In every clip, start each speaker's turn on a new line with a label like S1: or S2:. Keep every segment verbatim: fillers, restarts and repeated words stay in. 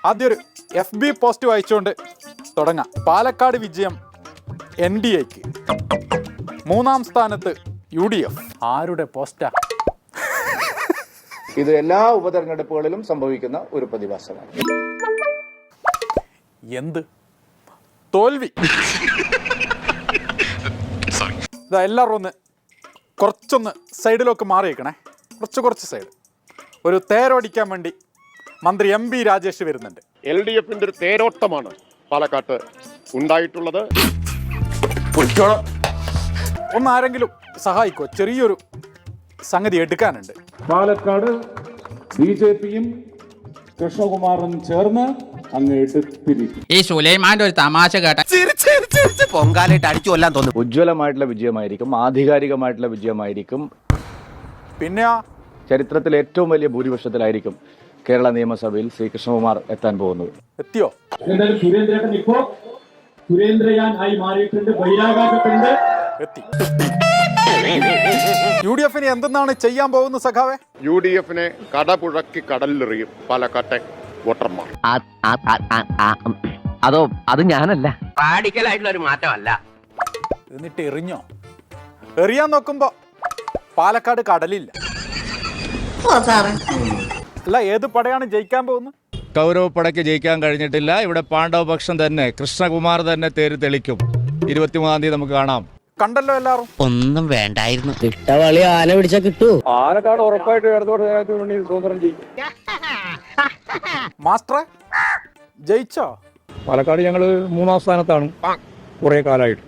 S1: ആദ്യം ഒരു F B post വായിച്ചുകൊണ്ട് തുടങ്ങാം. പാലക്കാട് വിജയം എൻ ഡി എക്ക്, മൂന്നാം സ്ഥാനത്ത് യു ഡി എഫ്. ആരുടെ പോസ്റ്റാ
S2: ഇത്? എല്ലാ ഉപതെരഞ്ഞെടുപ്പുകളിലും സംഭവിക്കുന്ന ഒരു പ്രതിഭാസമാണ്.
S1: എന്ത് തോൽവി? ഇതാ എല്ലാവരും ഒന്ന് കുറച്ചൊന്ന് സൈഡിലൊക്കെ മാറിയേക്കണേ, കുറച്ച് കുറച്ച് സൈഡ്. ഒരു തേരോടിക്കാൻ വേണ്ടി മന്ത്രി എം ബി രാജേഷ് വരുന്നുണ്ട്.
S3: എൽ ഡി എഫിന്റെ ഒരു തേരോട്ടമാണ് പാലക്കാട്ട് ഉണ്ടായിട്ടുള്ളത്.
S1: ഒന്ന് ആരെങ്കിലും സഹായിക്കോ? ചെറിയൊരു സംഗതി എടുക്കാനുണ്ട്.
S4: പാലക്കാട് ബി ജെ പിയും കൃഷ്ണകുമാറും ചേർന്ന് അങ്ങ് എടുത്തിരിക്കും.
S5: ഈ സുലൈമാന്റെ ഒരു തമാശ കേട്ട
S6: പൊങ്കാലായിട്ട് അടിച്ചു കൊല്ലാൻ തോന്നുന്നു.
S2: ഉജ്ജ്വലമായിട്ടുള്ള വിജയമായിരിക്കും, ആധികാരികമായിട്ടുള്ള വിജയമായിരിക്കും.
S1: പിന്നെ
S2: ചരിത്രത്തിൽ ഏറ്റവും വലിയ ഭൂരിപക്ഷത്തിലായിരിക്കും കേരള നിയമസഭയിൽ ശ്രീ കൃഷ്ണകുമാർ എത്താൻ പോകുന്നത്.
S1: എത്തിയോ?
S4: എന്തായാലും സുരേന്ദ്രൻ ഇപ്പോ സുരേന്ദ്രയാൻ ആയി മാറിയിട്ടുണ്ട്, ബഹിരാകാശത്തുണ്ട്.
S1: എത്തി. യു ഡി എഫിന് എന്തെന്നാണ് ചെയ്യാൻ പോകുന്നത് സഖാവെ?
S3: യു ഡി എഫിനെ കടപുഴക്കി കടലിലെറിയും പാലക്കാട്ടെ വോട്ടർമാർ.
S6: അതോ അത് ഞാനല്ല, റാഡിക്കലായിട്ടുള്ള ഒരു മാറ്റമല്ല.
S1: എന്നിട്ട് എറിഞ്ഞോ? എറിയാൻ നോക്കുമ്പോ പാലക്കാട് കടലില്ല. അല്ല, ഏത് പടയാണ് ജയിക്കാൻ പോകുന്നത്?
S7: കൗരവപ്പടയ്ക്ക് ജയിക്കാൻ കഴിഞ്ഞിട്ടില്ല. ഇവിടെ പാണ്ഡവപക്ഷം തന്നെ, കൃഷ്ണകുമാർ തന്നെ തേര് തെളിക്കും. ഇരുപത്തിമൂന്നാം തീയതി നമുക്ക് കാണാം.
S1: കണ്ടല്ലോ എല്ലാരും.
S6: ഒന്നും വേണ്ടായിരുന്നു.
S8: ഇട്ടവളി ആന പിടിച്ചാ കിട്ടൂ.
S2: പാലക്കാട് ഉറപ്പായിട്ട് സ്വതന്ത്രം ചെയ്യും.
S1: മാസ്റ്ററെ ജയിച്ചോ?
S4: പാലക്കാട് ഞങ്ങള് മൂന്നാം സ്ഥാനത്താണ് കുറെ കാലമായിട്ട്.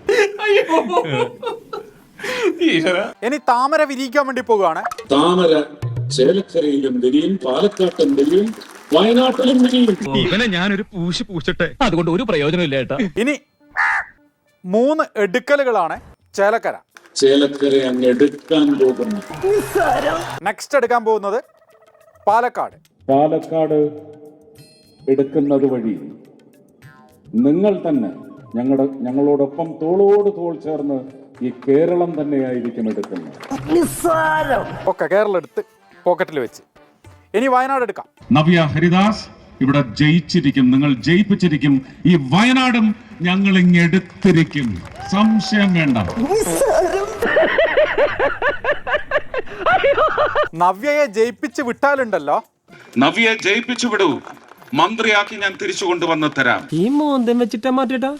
S1: ഇനി താമര വിരിയിക്കാൻ വേണ്ടി പോവുകയാണ്.
S4: താമര ചേലക്കരയിലും വിരിയും, പാലക്കാട്ടും വിരിയും, വയനാട്ടിലും വിരിയും.
S7: ഇവനെ ഞാനൊരു പൂശി പൂശട്ടെ, അതുകൊണ്ട് ഒരു പ്രയോജനമില്ല ഏട്ടാ.
S1: ഇനി മൂന്ന് എടുക്കലുകളാണ് ചേലക്കര.
S4: ചേലക്കര അങ്ങ് എടുക്കാൻ പോകുന്നു.
S1: നെക്സ്റ്റ് എടുക്കാൻ പോകുന്നത് പാലക്കാട്.
S4: പാലക്കാട് എടുക്കുന്നത് വഴി നിങ്ങൾ തന്നെ ഞങ്ങളുടെ ഞങ്ങളോടൊപ്പം തോളോട് തോൾ ചേർന്ന് ഈ കേരളം തന്നെയായിരിക്കും എടുക്കുന്നത്.
S1: ഒക്കെ കേരളം എടുത്ത് പോക്കറ്റിൽ വെച്ച് ഇനി വയനാട് എടുക്കാം.
S4: നവ്യ ഹരിദാസ് ഇവിടെ ജയിച്ചിരിക്കും, നിങ്ങൾ ജയിപ്പിച്ചിരിക്കും. ഈ വയനാടും ഞങ്ങൾ ഇങ്ങ് എടുത്തിരിക്കും, സംശയം വേണ്ട.
S1: നവ്യയെ ജയിപ്പിച്ച് വിട്ടാലുണ്ടല്ലോ.
S4: നവ്യയെ ജയിപ്പിച്ചു വിടൂ, മന്ത്രിയാക്കി ഞാൻ തിരിച്ചു കൊണ്ടുവന്ന് തരാം.
S8: ഈ മോന്തം വെച്ചിട്ടാ മാറ്റിട്ടാ.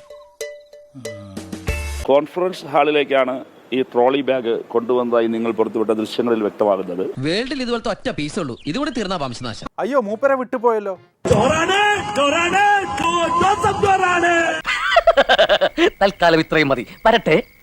S9: കോൺഫറൻസ് ഹാളിലേക്കാണ് ഈ ട്രോളി ബാഗ് കൊണ്ടുവന്നതായി നിങ്ങൾ പുറത്തുവിട്ട ദൃശ്യങ്ങളിൽ വ്യക്തമാകുന്നത്.
S6: വേൾഡിൽ ഇതുപോലത്തെ ഒറ്റ പീസേ ഉള്ളൂ, ഇതുകൂടി തീർന്ന വംശനാശം.
S1: അയ്യോ, മൂപ്പരെ വിട്ടുപോയല്ലോ.
S6: തൽക്കാലം ഇത്രയും മതി, വരട്ടെ.